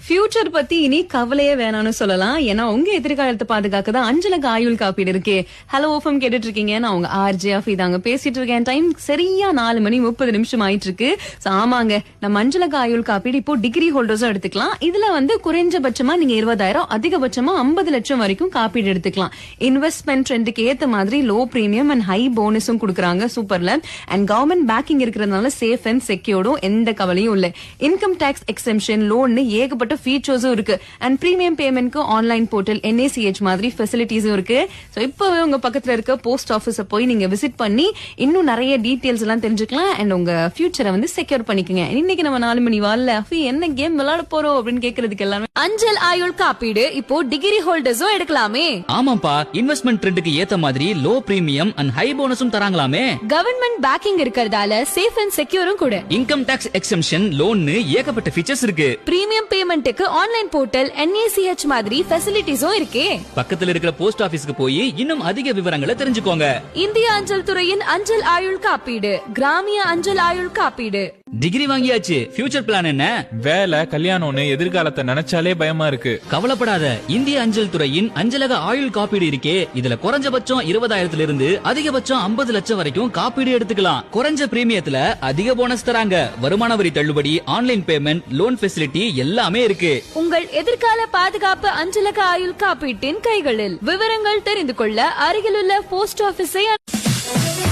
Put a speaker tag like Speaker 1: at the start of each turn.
Speaker 1: Future பத்தி இனி கவலையே வேணாம்னு சொல்லலாம். ஏன்னா உங்க எதிர்காலத்தை பாதுகாக்க தான் அஞ்சலக ஆயுள் காப்பீடு இருக்கே. ஹலோ ஓஃபம் கேட்டுட்டு இருக்கீங்க. நான் உங்க ஆர்ஜே அஃபீதாங்க பேசிட்டு இருக்கேன். டைம் சரியா 4:30 ஆயிட்டு இருக்கு. ஆமாங்க, நம்ம அஞ்சலக ஆயுள் காப்பீடு இப்போ டிகிரி ஹோல்டர்ஸும் எடுத்துக்கலாம். இதுல குறைஞ்சபட்சமா நீங்க 20,000, அதிகபட்சமா 50 லட்சம் வரைக்கும் காப்பீடு எடுத்துக்கலாம். இன்வெஸ்ட்மெண்ட் ட்ரெண்டுக்கு ஏத்த மாதிரி லோ பிரீமியம் அண்ட் ஹை போனஸும் கொடுக்குறாங்க. சூப்பர்ல. அண்ட் கவர்மெண்ட் பேக்கிங் இருக்கிறதுனால சேஃப் அண்ட் செக்யூர்டும் எந்த கவலையும் இல்ல. இன்கம் டாக்ஸ் எக்ஸெம்ஷன், லோன் ஏகப்பட்ட ஃபீச்சர்ஸும் இருக்கு. அண்ட் பிரீமியம் பேமெண்ட்க்கு ஆன்லைன் போர்ட்டல், NACH மாதிரி ஃபெசிலிட்டிஸும் இருக்கு. சோ இப்பவே உங்க பக்கத்துல இருக்க போஸ்ட் ஆபீஸ போய் நீங்க விசிட் பண்ணி இன்னும் நிறைய டீடைல்ஸ் எல்லாம் தெரிஞ்சுக்கலாம். அண்ட் உங்க ஃபியூச்சரை செக்யூர் பண்ணிக்கங்க. இன்னைக்கு நம்ம 4 மணி வால்ல என்ன கேம் விளையாட போறோம் அப்படின்னு கேக்குறதுக்கு எல்லாமே
Speaker 2: அஞ்சல் ஆயுள் காப்பீடு இப்போ டிகிரி ஹோல்டர்ஸும் எடுக்கலாமே.
Speaker 3: ஆமாப்பா, இன்வெஸ்ட்மெண்ட் ட்ரெண்டுக்கு ஏத்த மாதிரி லோ பிரீமியம் அண்ட் ஹை போனஸும் தராங்களாமே.
Speaker 2: கவர்மெண்ட் பேக்கிங் இருக்கிறதால சேஃப் அண்ட் செக்யூரும் கூட.
Speaker 3: இன்கம் டாக்ஸ் எக்ஸெம்ஷன், லோன்னு ஏகப்பட்ட ஃபீச்சர்ஸ் இருக்கு.
Speaker 2: பிரீமியம் பேமெண்ட்டுக்கு ஆன்லைன் போர்ட்டல், NACH மாதிரி ஃபெசிலிட்டிஸும் இருக்கே.
Speaker 3: பக்கத்துல இருக்கிற போஸ்ட் ஆபீஸ்க்கு போய் இன்னும் அதிக விவரங்களை தெரிஞ்சுக்கோங்க.
Speaker 2: இந்திய அஞ்சல் துறையின் அஞ்சல் ஆயுள் காப்பீடு, கிராமிய அஞ்சல் ஆயுள் காப்பீடு.
Speaker 3: டிகிரி வாங்கியாச்சு. ஃபியூச்சர் பிளான் என்ன?
Speaker 4: வேலை, கல்யாணம்னு எதிர்காலத்தை நினைச்சாலே பயமா இருக்கு.
Speaker 3: கவலைப்படாத, இந்திய அஞ்சல் துறையின் அஞ்சலக ஆயுள் காப்பீடு இருக்கே. இதுல குறைஞ்சபட்சம் 20,000 இருந்து அதிகபட்சம் 50 லட்சம் வரைக்கும் காப்பீடு எடுத்துக்கலாம். குறைஞ்ச பிரீமியத்துல அதிக போனஸ் தராங்க. வருமான வரி தள்ளுபடி, ஆன்லைன் பேமெண்ட், லோன் ஃபெசிலிட்டி எல்லாமே இருக்கு.
Speaker 2: உங்கள் எதிர்கால பாதுகாப்பு அஞ்சலக ஆயுள் காப்பீட்டின் கைகளில். விவரங்கள் தெரிந்து கொள்ள அருகிலுள்ள போஸ்ட் ஆபீஸை